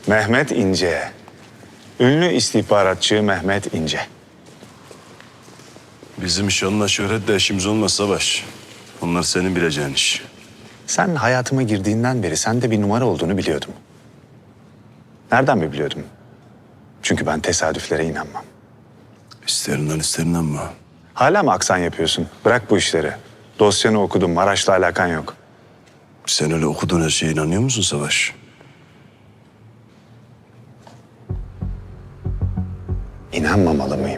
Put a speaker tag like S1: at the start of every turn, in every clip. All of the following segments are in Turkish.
S1: Mehmet İnce. Ünlü istihbaratçı Mehmet İnce.
S2: Bizim şanla şöhretle işimiz olmaz Savaş. Onlar senin bileceğin iş.
S1: Sen hayatıma girdiğinden beri sende bir numara olduğunu biliyordum. Nereden mi biliyordum? Çünkü ben tesadüflere inanmam.
S2: İsterinden isterinden mi?
S1: Hala mı aksan yapıyorsun? Bırak bu işleri. Dosyanı okudum, Maraş'la alakan yok.
S2: Sen öyle okuduğun her şeye inanıyor musun Savaş?
S1: İnanmamalı mıyım?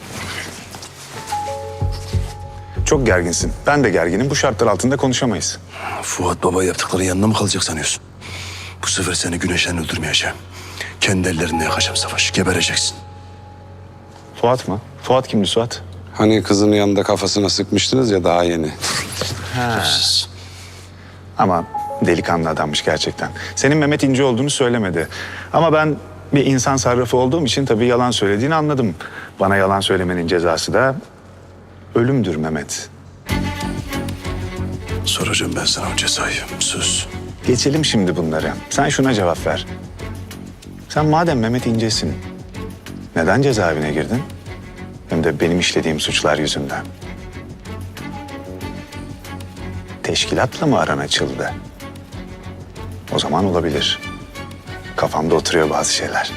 S1: Çok gerginsin. Ben de gerginim. Bu şartlar altında konuşamayız.
S2: Fuat Baba yaptıkları yanına mı kalacak sanıyorsun? Bu sefer seni güneşten öldürmeyeceğim. Kendi ellerimle yakacağım Savaş. Gebereceksin.
S1: Fuat mı? Fuat kimdi Suat?
S3: Hani kızın yanında kafasına sıkmıştınız ya daha yeni.
S2: Siz.
S1: Ama delikanlı adammış gerçekten. Senin Mehmet İnce olduğunu söylemedi. Ama ben bir insan sarrafı olduğum için tabii yalan söylediğini anladım. Bana yalan söylemenin cezası da ölümdür Mehmet.
S2: Soracağım ben sana o cezayı. Söz.
S1: Geçelim şimdi bunları. Sen şuna cevap ver. Sen madem Mehmet İnce'sin, neden cezaevine girdin? Hem de benim işlediğim suçlar yüzünden. Teşkilatla mı aran açıldı? O zaman olabilir. Kafamda oturuyor bazı şeyler.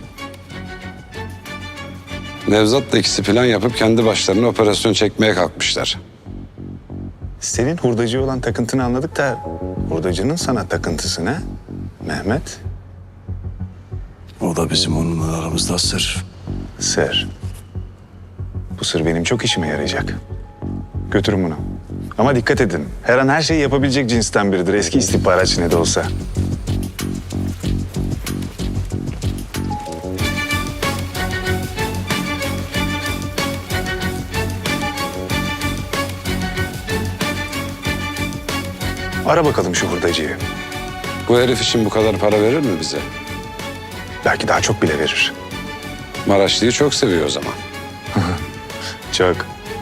S3: Nevzat'la ikisi plan yapıp kendi başlarına operasyon çekmeye kalkmışlar.
S1: Senin hurdacı olan takıntını anladık da hurdacının sana takıntısı ne? Mehmet?
S2: O da bizim onunla aramızda sır.
S1: Sır. Bu sır benim çok işime yarayacak. Götürün bunu. Ama dikkat edin. Her an her şeyi yapabilecek cinsten biridir. Eski istihbaratçı ne de olsa. Ara bakalım şu hurdacıyı.
S3: Bu herif için bu kadar para verir mi bize?
S1: Belki daha çok bile verir.
S3: Maraşlı'yı çok seviyor o zaman.
S1: Çok.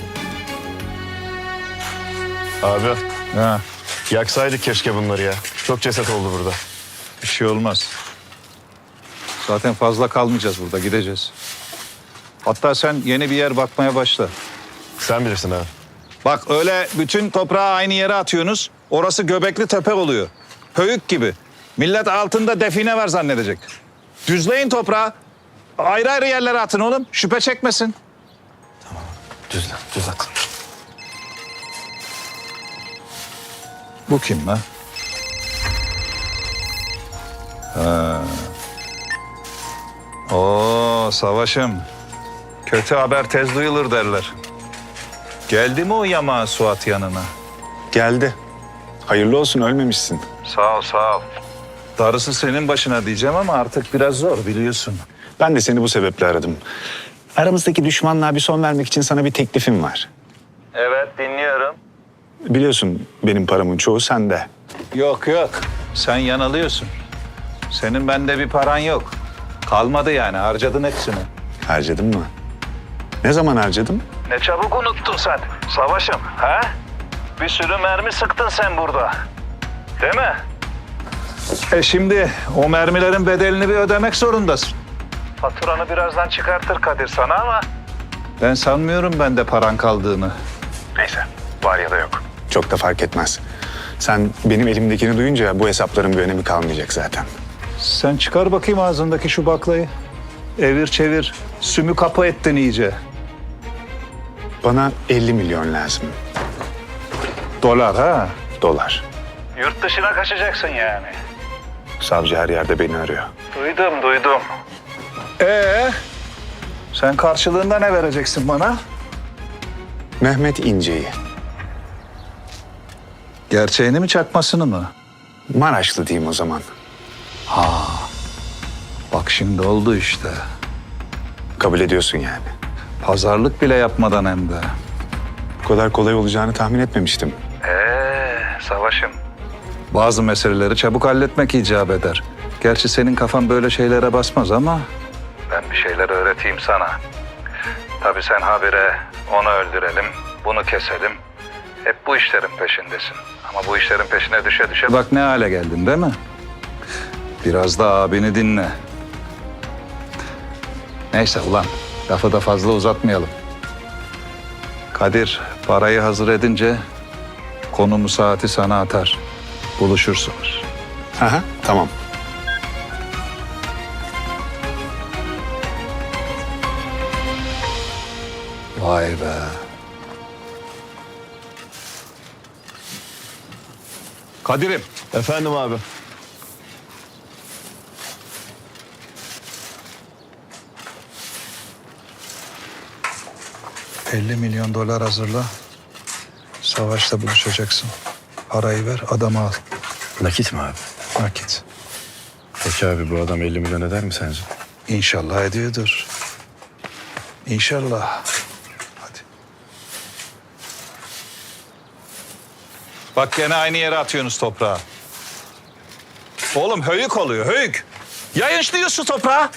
S4: Abi
S5: Ha,
S4: yaksaydık keşke bunları ya. Çok ceset oldu burada.
S5: bir şey olmaz. Zaten fazla kalmayacağız burada, gideceğiz. Hatta sen yeni bir yer bakmaya başla.
S4: Sen bilirsin abi.
S5: Bak öyle bütün toprağı aynı yere atıyorsunuz. Orası Göbekli Tepe oluyor. Höyük gibi. Millet altında define var zannedecek. Düzleyin toprağı. Ayrı ayrı yerlere atın oğlum. Şüphe çekmesin.
S4: Düzelt.
S5: Bu kim lan? Oo Savaş'ım. Kötü haber tez duyulur derler. Geldi mi o yamağı Suat yanına?
S1: Geldi. Hayırlı olsun, ölmemişsin.
S5: Sağ ol, sağ ol. Darısı senin başına diyeceğim ama artık biraz zor biliyorsun.
S1: Ben de seni bu sebeple aradım. Aramızdaki düşmanlığa bir son vermek için sana bir teklifim var.
S5: Evet, dinliyorum.
S1: Biliyorsun benim paramın çoğu sende.
S5: Yok yok, sen yanılıyorsun. Senin bende bir paran yok. Kalmadı yani, harcadın hepsini.
S1: Harcadın mı? Ne zaman harcadım?
S5: Ne çabuk unuttun sen, Savaş'ım, ha? Bir sürü mermi sıktın sen burada. Değil mi? Şimdi o mermilerin bedelini bir ödemek zorundasın. Faturanı birazdan çıkartır Kadir sana ama... Ben sanmıyorum bende paran kaldığını.
S1: Neyse, var ya da yok. Çok da fark etmez. Sen benim elimdekini duyunca bu hesapların bir önemi kalmayacak zaten.
S5: Sen çıkar bakayım ağzındaki şu baklayı. Evir çevir, sümü kapı ettin iyice.
S1: Bana 50 milyon lazım.
S5: Dolar ha?
S1: Dolar.
S5: Yurt dışına kaçacaksın yani.
S1: Savcı her yerde beni arıyor.
S5: Duydum. Sen karşılığında ne vereceksin bana?
S1: Mehmet İnce'yi.
S5: Gerçeğini mi çakmasını mı?
S1: Maraşlı diyeyim o zaman.
S5: Bak şimdi oldu işte.
S1: Kabul ediyorsun yani.
S5: Pazarlık bile yapmadan hem de.
S1: Bu kadar kolay olacağını tahmin etmemiştim.
S5: Savaşım. Bazı meseleleri çabuk halletmek icap eder. Gerçi senin kafan böyle şeylere basmaz ama... Ben bir şeyler öğreteyim sana. Tabii sen habire onu öldürelim, bunu keselim. Hep bu işlerin peşindesin. Ama bu işlerin peşine düşe düşe bak ne hale geldin değil mi?
S6: Biraz da abini dinle. Neyse ulan, lafı da fazla uzatmayalım. Kadir parayı hazır edince konumu saati sana atar. Buluşursunuz.
S1: Aha, tamam.
S6: Vay be. Kadir'im,
S4: Efendim abi.
S6: $50 milyon hazırla. Savaşta buluşacaksın. Parayı ver, adamı al.
S4: Nakit mi abi?
S6: Nakit.
S4: Peki abi bu adam 50 milyon eder mi sence?
S6: İnşallah ediyordur. İnşallah. Hadi. Bak gene aynı yere atıyorsunuz toprağı. Oğlum höyük oluyor, höyük. Yayınçlıyorsun toprağı.